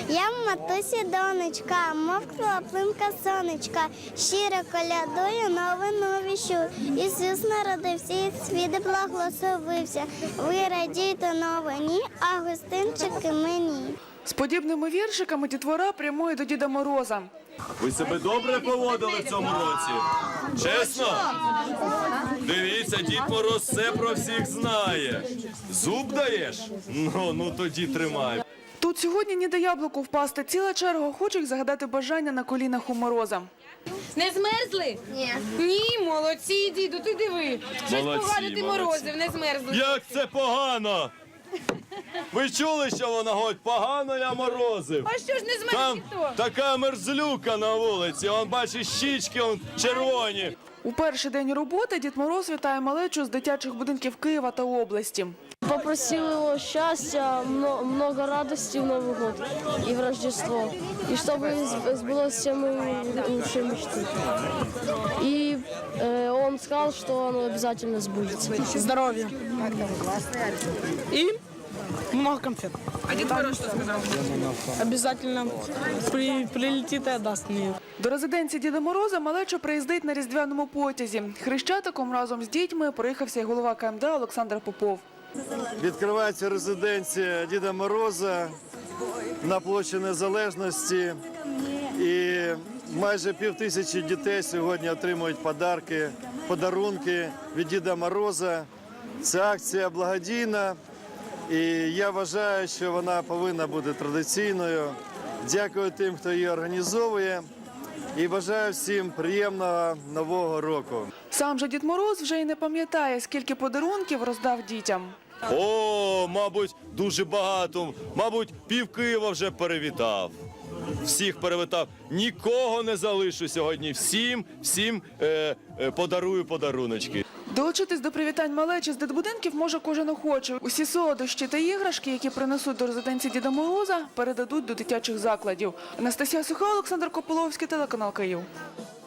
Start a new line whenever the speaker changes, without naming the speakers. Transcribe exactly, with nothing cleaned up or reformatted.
Я в матусі донечка, мов краплинка сонечка, щиро колядую новину віщу. Ісус народився, і світ благословився. Ви радійте новині, а гостинчики мені.
З подібними віршиками дітвора прямує до Діда Мороза.
Ви себе добре поводили в цьому році? Чесно? Дивіться, Дід Мороз все про всіх знає. Зуб даєш? Ну, ну тоді тримай.
Тут сьогодні ніде яблуку впасти. Ціла черга охочих загадати бажання на колінах у Мороза.
Не змерзли? Ні. Ні, молодці, діду, ти диви. Щось
Молодці,
погано ти
молодці.
морозив, не змерзли.
Як це погано? Ви чули, що вона говорить? Погано я морозив.
А що ж не змерз
Там
ніхто?
така мерзлюка на вулиці, он бачить щічки, он червоні.
У перший день роботи Дід Мороз вітає малечу з дитячих будинків Києва та області.
Попросил его счастья, мно- много радости в Новый год и в Рождество. И чтобы сб- сбылось все мои лучшие мечты. И э, он сказал, что оно обязательно сбудется.
Здоровья. И много конфет.
А Дід Мороз що сказав?
Обязательно при, прилетит и отдаст мне.
До резиденції Діда Мороза малеча приїздить на різдвяному потязі. Хрещатиком разом з дітьми проїхався й голова Ка Ем Де Олександр Попов.
Відкривається резиденція Діда Мороза на площі Незалежності. І майже пів тисячі дітей сьогодні отримують подарки, подарунки від Діда Мороза. Ця акція благодійна, і я вважаю, що вона повинна бути традиційною. Дякую тим, хто її організовує, і бажаю всім приємного Нового року.
Сам же Дід Мороз вже й не пам'ятає, скільки подарунків роздав дітям.
О, мабуть, дуже багато. Мабуть, пів Києва вже перевітав. Всіх перевітав. Нікого не залишу сьогодні. Всім, всім е, е, подарую подаруночки.
Долучитись до привітань малечі з дитбудинків може кожен охочий. Усі солодощі та іграшки, які принесуть до резиденції Діда Мороза, передадуть до дитячих закладів. Анастасія Суха, Олександр Кополовський, телеканал Київ.